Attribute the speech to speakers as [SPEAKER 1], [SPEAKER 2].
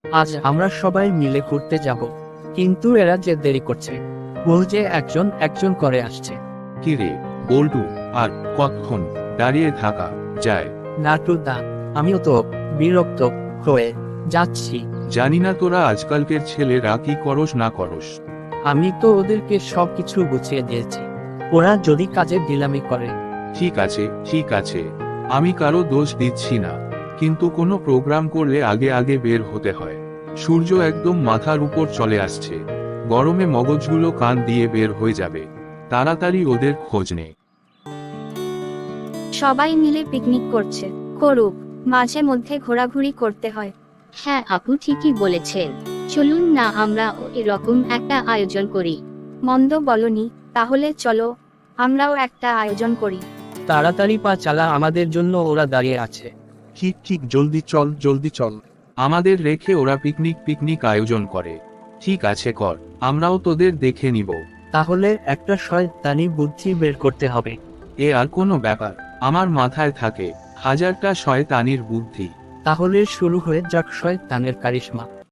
[SPEAKER 1] আজ আমরা সবাই মিলে ঘুরতে যাব, কিন্তু এরা যে দেরি করছে, বলছে একজন একজন করে আসছে।
[SPEAKER 2] কিরে বল্টু, আর কতক্ষণ দাঁড়িয়ে থাকা যায়?
[SPEAKER 1] নাটুদা, আমিও তো বিরক্ত হয়ে যাচ্ছি।
[SPEAKER 2] জানি না তোরা আজকালকের ছেলেরা কি করস না করস।
[SPEAKER 1] আমি তো ওদেরকে সবকিছু গুছিয়ে দিয়েছি, ওরা যদি কাজে ঢিলামি করে।
[SPEAKER 2] ঠিক আছে ঠিক আছে, আমি কারো দোষ দিচ্ছি না, কিন্তু কোনো প্রোগ্রাম করলে আগে আগে বের হতে হয়। সূর্য একদম মাথার উপর চলে আসছে, গরমে মগজগুলো কান দিয়ে বের হয়ে যাবে। তাড়াতাড়ি ওদের খোঁজ নে।
[SPEAKER 3] সবাই মিলে পিকনিক করছে, করুক, মাঝে মধ্যে ঘোরাঘুরি করতে হয়।
[SPEAKER 4] হ্যাঁ আপু ঠিকই বলেছেন, চলুন না আমরাও এরকম একটা আয়োজন করি।
[SPEAKER 3] মন্দ বলনি, তাহলে চলো আমরাও একটা আয়োজন করি।
[SPEAKER 1] তাড়াতাড়ি পা চালা, আমাদের জন্য ওরা দাঁড়িয়ে আছে।
[SPEAKER 5] ঠিক ঠিক, জলদি চল জলদি চল।
[SPEAKER 2] আমাদের রেখে ওরা পিকনিক আয়োজন করে। ঠিক আছে কর, আমরাও তোদের দেখে নিব।
[SPEAKER 1] তাহলে একটা শয়তানি বুদ্ধি বের করতে হবে।
[SPEAKER 2] এ আর কোনো ব্যাপার, আমার মাথায় থাকে হাজারটা শয়তানির বুদ্ধি।
[SPEAKER 1] তাহলে শুরু হয়ে যাক শয়তানের কারিশমা।